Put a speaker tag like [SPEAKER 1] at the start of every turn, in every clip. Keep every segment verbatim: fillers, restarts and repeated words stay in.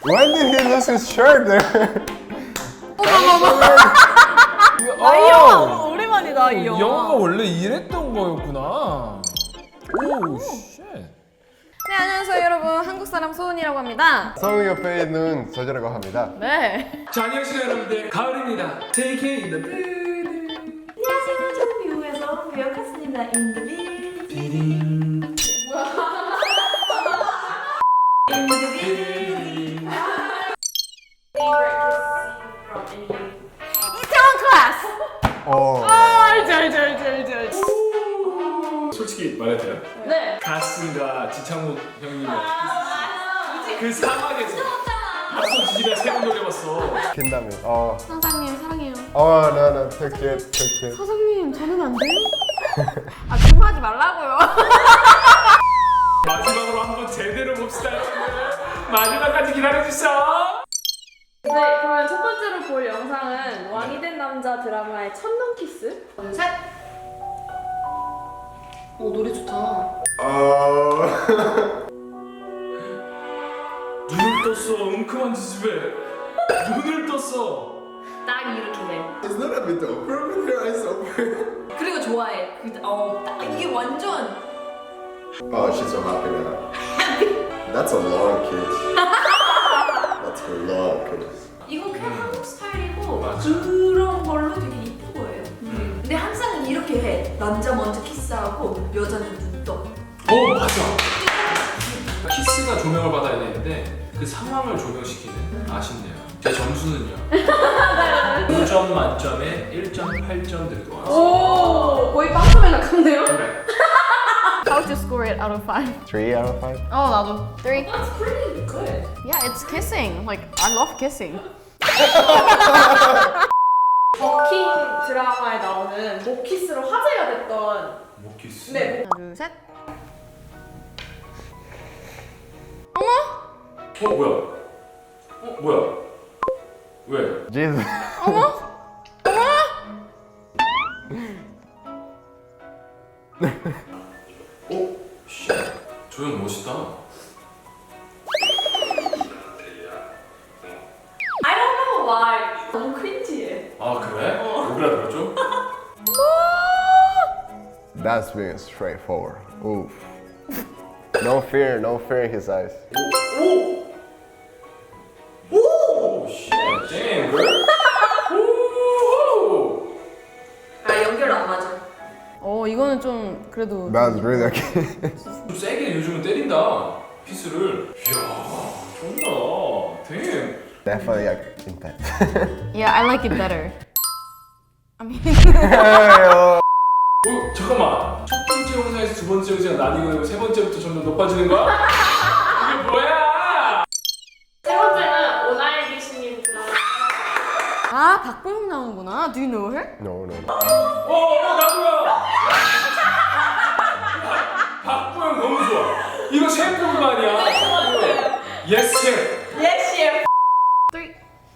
[SPEAKER 1] When did he lose his shirt there?
[SPEAKER 2] 아, 이 영화 오랜만이다, 이 영화.
[SPEAKER 3] 영화가 원래 이랬던 거였구나. 오, 쉣.
[SPEAKER 2] 네, 안녕하세요, 여러분. 한국 사람 소은이라고 합니다.
[SPEAKER 1] 성우 옆에 있는 저자라고 합니다.
[SPEAKER 2] 네.
[SPEAKER 3] 자, 안녕하세요, 여러분들. 가을입니다. Take it in the building.
[SPEAKER 4] 안녕하세요. 저는 미국에서 배역했습니다. 인드빌.
[SPEAKER 3] 비딩.
[SPEAKER 4] 인드빌.
[SPEAKER 2] 이태원 클래스!
[SPEAKER 1] 어.
[SPEAKER 2] 아, 알지, 알지, 알지, 알지, 알지.
[SPEAKER 3] 솔직히 말해도 돼요?
[SPEAKER 2] 네.
[SPEAKER 3] 가스가 지창욱 형님의 그 사막에서 가스 지지가 세번 돌려봤어.
[SPEAKER 1] 킨다며. 어.
[SPEAKER 2] 사장님, 사랑해요.
[SPEAKER 1] 어, no, no, take it, take it.
[SPEAKER 2] 사장님, 저는 안 돼요? 아, 좀 하지 말라고요.
[SPEAKER 3] 마지막으로 한번 제대로 봅시다, 여러분들. 마지막까지 기다려주세요.
[SPEAKER 2] 네, 그러면 첫 번째로 볼 영상은 왕이 된 남자 드라마의 첫눈 키스. 둘, 셋. 오, 노래 좋다.
[SPEAKER 1] 어.
[SPEAKER 3] 눈을 떴어, 웅큼한 지집에. 눈을 떴어.
[SPEAKER 2] 딱 이렇게 해.
[SPEAKER 1] It's not a bit over with your eyes open.
[SPEAKER 2] 그리고 좋아해. 그, 어, 딱 이게 완전.
[SPEAKER 1] Oh, she's so happy now. That's a long kiss. That's a long kiss.
[SPEAKER 4] 이거 그냥 한국 스타일이고
[SPEAKER 3] 맞아.
[SPEAKER 4] 그런 걸로 되게 이쁜 거예요. 근데 항상 이렇게 해. 남자 먼저 키스하고 여자는 눈 떠.
[SPEAKER 3] 어, 맞아. 키스가 조명을 받아야 되는데 그 상황을 조명시키는 아쉽네요. 제 점수는요. 오 점 만점에 일 점 팔 점 들고 왔어요.
[SPEAKER 2] 오, 거의 빵점에 가깝네요.
[SPEAKER 3] 그래.
[SPEAKER 2] How to score it out of five?
[SPEAKER 1] Three out of five.
[SPEAKER 2] 어, 나도. Three.
[SPEAKER 4] That's pretty good.
[SPEAKER 2] Yeah, it's kissing. Like, I love kissing. 버킹 드라마에 나오는 목키스로 화제가 됐던.
[SPEAKER 3] 목 키스.
[SPEAKER 2] 네. 하나, 둘, 셋. 어머?
[SPEAKER 3] 어, 뭐야? 어, 뭐야? 왜?
[SPEAKER 1] Jesus.
[SPEAKER 2] 어머?
[SPEAKER 3] 오, 씨. 저 형 멋있다.
[SPEAKER 4] I don't know why. 너무 크린지해.
[SPEAKER 3] 아, 그래? 오그라들었죠?
[SPEAKER 1] That's being straightforward. Oof. No fear, no fear in his eyes.
[SPEAKER 3] 오! 오! 씨. damn, girl. 오!
[SPEAKER 4] 아 연결 안 맞아.
[SPEAKER 2] 어, 이거는 좀 그래도.
[SPEAKER 1] That's really okay.
[SPEAKER 3] 좀 세게 요즘은 때린다. 피스를. 이야, 좋다. damn.
[SPEAKER 1] Definitely like intense.
[SPEAKER 2] Yeah, I like it better. I mean.
[SPEAKER 3] 어, 잠깐만. 첫 번째 영상에서 두 번째 영상이 나뉘고 세 번째부터 점점 높아지는 거야? 이게 뭐야?
[SPEAKER 2] 세 번째는 오나의 귀신님 드라마. 아, 박보영 나오는구나. Do you know her?
[SPEAKER 1] No, no, no.
[SPEAKER 3] 어, 어, 나도야. 박보영 너무 좋아. 이거 셰프 그거 아니야? 예스 셰프.
[SPEAKER 4] Yes, chef.
[SPEAKER 2] Three.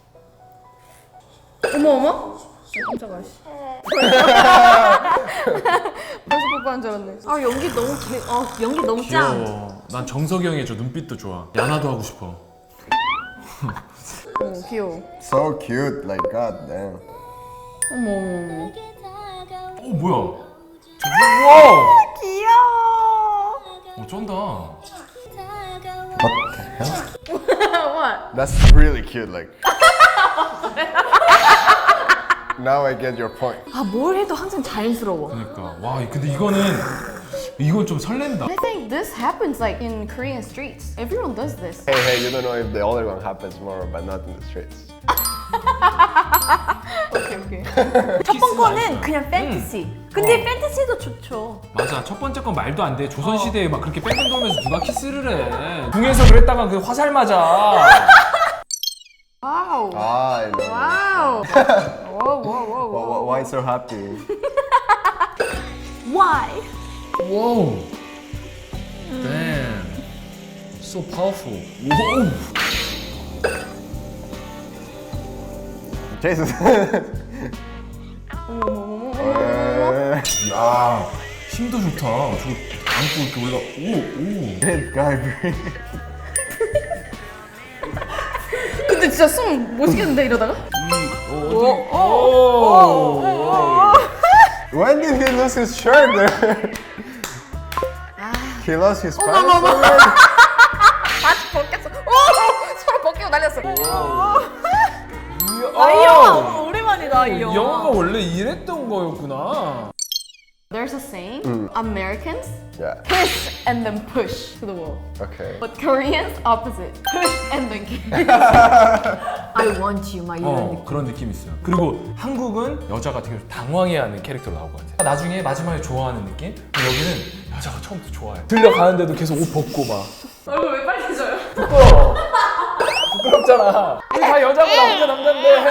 [SPEAKER 2] 어머 어머? 깜짝아. 씨. 벌써 뽀뽀한 줄 알았네. 아, 연기 너무 개, 어, 연기 너무 짱.
[SPEAKER 3] 귀여워. 난 정석이 형의 저 눈빛도 좋아. 야나도 하고 싶어.
[SPEAKER 2] 어, 귀여워.
[SPEAKER 1] So cute, like god damn.
[SPEAKER 2] 어머 어머 어머.
[SPEAKER 3] 어, 뭐야? 우와!
[SPEAKER 2] 귀여워.
[SPEAKER 3] 어, 쩐다.
[SPEAKER 1] What the hell?
[SPEAKER 2] What?
[SPEAKER 1] That's really cute, like. Now I get your point.
[SPEAKER 2] 아, 뭘 해도 항상 자연스러워.
[SPEAKER 3] 그러니까 와, 근데 이거는 이건 좀 설렌다.
[SPEAKER 2] I think this happens like in Korean streets. Everyone does this.
[SPEAKER 1] Hey, hey, you don't know if the other one happens more, but not in the streets.
[SPEAKER 2] 오케이 오케이.
[SPEAKER 4] 첫 번 거는 그냥 팬티시. 근데 팬티시도 좋죠.
[SPEAKER 3] 맞아, 첫 번째 건 말도 안 돼. 조선 시대에 막 그렇게 뺑뺑 돌면서 누가 키스를 해? 궁에서 그랬다가 그 화살 맞아.
[SPEAKER 2] 와우.
[SPEAKER 1] Ah, I know.
[SPEAKER 2] 와우. 와우 와우 와우.
[SPEAKER 1] Why, why, why so happy?
[SPEAKER 4] Why?
[SPEAKER 3] 와우. Damn. So powerful. 와우.
[SPEAKER 1] Jesus.
[SPEAKER 2] 어머 어머.
[SPEAKER 3] 야, 힘도 좋다. 저거 안고 이렇게 올라. 오, 오.
[SPEAKER 1] This guy, bro.
[SPEAKER 2] 근데 진짜 숨 못 쉬겠는데 이러다가?
[SPEAKER 1] When did he lose his shirt there? He lost his pants.
[SPEAKER 2] 어머, 어머.
[SPEAKER 1] already?
[SPEAKER 2] 다시 벗겼어. 오! 서로 벗기고 난리났어.
[SPEAKER 3] 아,
[SPEAKER 2] 이 영화 오랜만이다 이 영화.
[SPEAKER 3] 영화가 원래 이랬던 거였구나.
[SPEAKER 2] There's a saying, Americans
[SPEAKER 1] Yeah.
[SPEAKER 2] push and then push to the wall.
[SPEAKER 1] Okay.
[SPEAKER 2] But Koreans opposite, push and then kiss. I want you, 막 이런
[SPEAKER 3] 어
[SPEAKER 2] 느낌.
[SPEAKER 3] 그런 느낌이 있어요. 그리고 한국은 여자가 되게 당황해하는 캐릭터로 나올 것 같아. 나중에 마지막에 좋아하는 느낌? 근데 여기는 여자가 처음부터 좋아해. 들려가는데도 계속 옷 벗고 막.
[SPEAKER 2] 얼굴 왜 빨개져요?
[SPEAKER 3] 부끄러워. 부끄럽잖아. 우리 다 여자고 나 혼자 남잔데.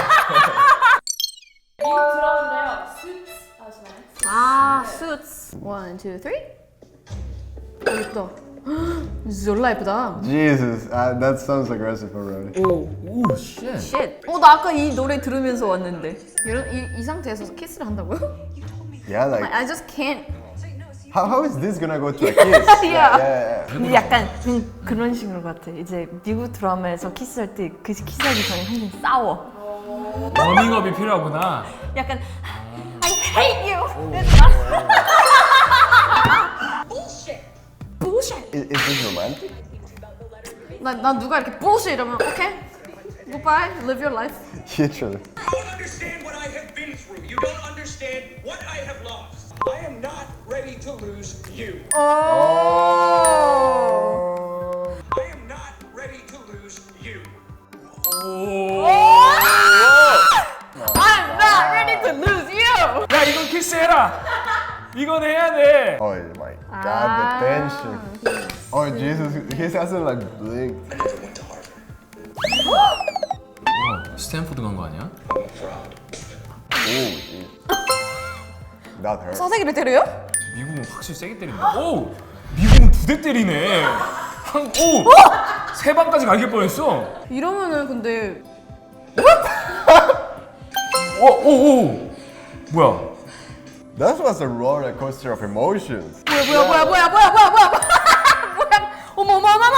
[SPEAKER 2] 미국 드라마인데요. Suits 아시나요? 아, Suits. One, two, three. 오, 예쁘다. 졸라 예쁘다.
[SPEAKER 1] Jesus, uh, that sounds aggressive already.
[SPEAKER 2] 오,
[SPEAKER 3] 오 쉣.
[SPEAKER 2] shit. 어, 나 아까 이 노래 들으면서 왔는데. 이런 이, 이 상태에서 키스를 한다고요?
[SPEAKER 1] Yeah, like
[SPEAKER 2] I just can't.
[SPEAKER 1] how, how is this gonna go to a kiss?
[SPEAKER 2] Yeah.
[SPEAKER 1] yeah, yeah.
[SPEAKER 5] 근데 약간 그, 그런 식으로 같아. 이제 미국 드라마에서 키스할 때 그 키스하기 전에 항상 싸워.
[SPEAKER 3] 워밍업이 필요하구나.
[SPEAKER 5] 약간 I hate you.
[SPEAKER 1] Is, is this romantic?
[SPEAKER 2] 난, 난 누가 이렇게 bullshit 이러면 okay, goodbye, live your life.
[SPEAKER 1] Literally.
[SPEAKER 6] You don't understand what I have been through. You don't understand what I have lost. I am not ready to lose you.
[SPEAKER 1] Oh.
[SPEAKER 6] I am not ready to lose you.
[SPEAKER 2] I'm not ready to lose you.
[SPEAKER 3] 야 이건 키스해라. 이건 해야 돼.
[SPEAKER 1] Oh my God, the tension. Oh Jesus, his hasn't like blinked.
[SPEAKER 3] 와, 스탠포드 간 거 아니야?
[SPEAKER 1] Oh, geez. That hurt.
[SPEAKER 2] 사세기를 때려요?
[SPEAKER 3] 미국은 확실히 세게 때린다. 오, 미국은 두 대 때리네. 한, 오, 세 방까지 갈길 뻔했어.
[SPEAKER 2] 이러면은 근데
[SPEAKER 3] 오, 오, 오, 뭐야?
[SPEAKER 1] That was a roller coaster of emotions.
[SPEAKER 2] 뭐야 뭐야 뭐야 뭐야 뭐야 뭐야 뭐야 뭐야 어머 어머 어머 어머.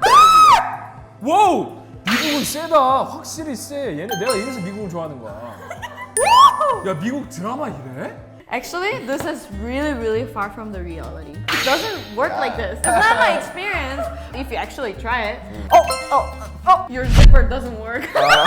[SPEAKER 3] 와우, 미국은 세다. 확실히 세. 얘네 내가 이래서 미국을 좋아하는 거야. 야, 미국 드라마 이래?
[SPEAKER 2] Actually, this is really, really far from the reality. It doesn't work like this. It's not my experience. If you actually try it, oh, oh, oh, your zipper doesn't work.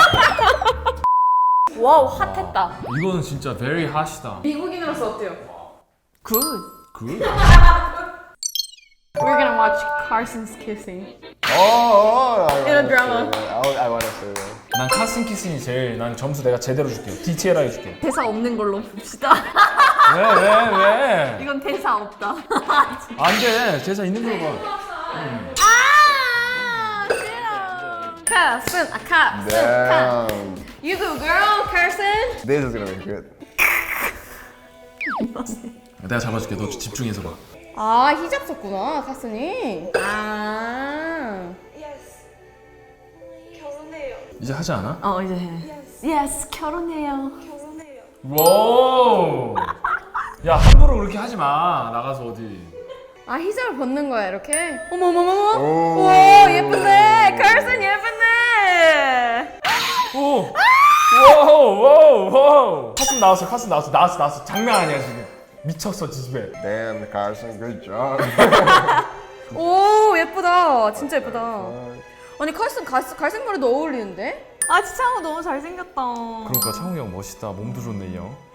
[SPEAKER 5] 와우 핫했다.
[SPEAKER 3] 이거는 진짜 very hot이다.
[SPEAKER 2] 미국인으로서 어때요?
[SPEAKER 5] Good.
[SPEAKER 3] 그?
[SPEAKER 2] We're gonna watch Carson's kissing.
[SPEAKER 1] Oh, oh, I
[SPEAKER 2] In a
[SPEAKER 1] wanna
[SPEAKER 2] drama.
[SPEAKER 1] say that. I, would- I wanna say that.
[SPEAKER 3] 난 카슨 키슨이 제일 난 점수 내가 제대로 줄게. 디테일하게 해줄게.
[SPEAKER 5] 대사 없는 걸로 봅시다.
[SPEAKER 3] 왜, 왜, 왜?
[SPEAKER 5] 이건 대사 없다.
[SPEAKER 3] 안 돼. 제사 있는 걸로 봐.
[SPEAKER 2] 아, 싫어. Carson, 아, Carson, Carson.
[SPEAKER 1] Damn.
[SPEAKER 2] You go, girl, Carson.
[SPEAKER 1] This is gonna be good.
[SPEAKER 3] 내가 잡아줄게. 너 집중해서 봐.
[SPEAKER 2] 아, 히잡 썼구나, 카슨이. 아.
[SPEAKER 7] 결혼해요.
[SPEAKER 3] 이제 하지 않아?
[SPEAKER 5] 어 이제 해. Yes 결혼해요.
[SPEAKER 7] 결혼해요.
[SPEAKER 3] 와우. 야, 함부로 그렇게 하지 마. 나가서 어디.
[SPEAKER 2] 아, 히잡을 벗는 거야, 이렇게? 어머, 어머, 어머.
[SPEAKER 1] 오.
[SPEAKER 2] 오, 예쁜데. 카슨 예쁜데.
[SPEAKER 3] 오! 와우, 와우, 와우! 카슨 나왔어, 카슨 나왔어, 나왔어, 나왔어. 장난 아니야, 지금. 미쳤어, 지집에.
[SPEAKER 1] Damn, Carson, good job.
[SPEAKER 2] 오, 예쁘다. 진짜 예쁘다. 아니, 카슨 갈색, 갈색 머리도 어울리는데?
[SPEAKER 5] 아 지창호 너무 잘생겼다.
[SPEAKER 3] 그러니까 창욱이 형 멋있다. 몸도 좋네, 이 형.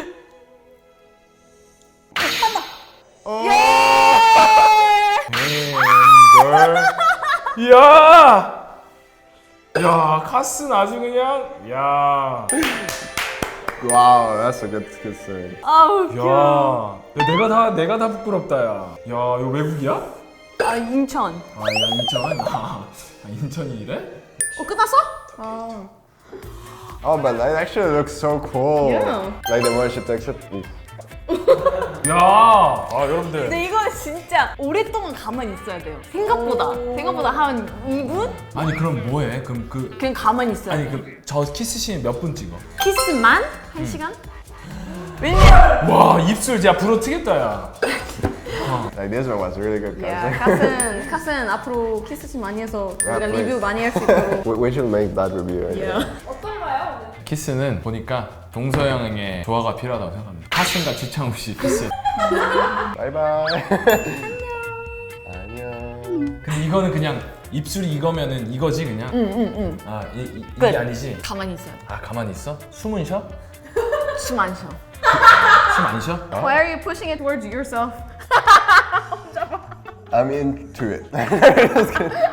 [SPEAKER 3] 걸. 야! 야, 카슨 아주 그냥, 야.
[SPEAKER 1] Wow, that's a good, good thing.
[SPEAKER 5] 아우
[SPEAKER 3] 야.
[SPEAKER 5] 귀여워.
[SPEAKER 3] 야, 내가 다, 내가 다 부끄럽다, 야. 야, 이거 외국이야?
[SPEAKER 5] 아 인천.
[SPEAKER 3] 아, 야, 인천? 아, 인천이 이래?
[SPEAKER 2] 어, 끝났어? 아.
[SPEAKER 1] Oh, but that actually looks so cool.
[SPEAKER 2] Yeah.
[SPEAKER 1] Like the one she takes it. Ooh.
[SPEAKER 3] 야, 아, 여러분들.
[SPEAKER 5] 근데 이거는 진짜 오랫동안 가만히 있어야 돼요. 생각보다. 생각보다 한 이 분?
[SPEAKER 3] 아니, 그럼 뭐해? 그럼 그,
[SPEAKER 5] 그냥 가만히 있어야
[SPEAKER 3] 아니,
[SPEAKER 5] 돼.
[SPEAKER 3] 그, 저 키스씬 몇 분 찍어?
[SPEAKER 5] 키스만? 한 시간? 왜냐면
[SPEAKER 3] 와, 입술 진짜 불어 트겠다, 야.
[SPEAKER 1] Like this one was really good,
[SPEAKER 2] 야,
[SPEAKER 1] guys.
[SPEAKER 2] 카슨, 카슨 앞으로 키스씬 많이 해서 우리가
[SPEAKER 1] please.
[SPEAKER 2] 리뷰 많이 할 수 있도록.
[SPEAKER 1] we, we should make that review. I think.
[SPEAKER 3] 키스는 보니까 동서양의 조화가 필요하다고 생각합니다. 카슨과 지창욱 씨 키스.
[SPEAKER 1] Bye bye. 안녕.
[SPEAKER 3] 근데 이거는 그냥 입술이 이거면은 이거지 그냥.
[SPEAKER 2] 응응응.
[SPEAKER 3] 아 이, 이,
[SPEAKER 2] 끝.
[SPEAKER 3] 이게 아니지.
[SPEAKER 2] 가만히 있어요.
[SPEAKER 3] 아 가만히 있어? 숨은 쉬어?
[SPEAKER 2] 숨 안 쉬어.
[SPEAKER 3] 숨 안 쉬어?
[SPEAKER 2] Why are you pushing it towards yourself?
[SPEAKER 1] I'm into it.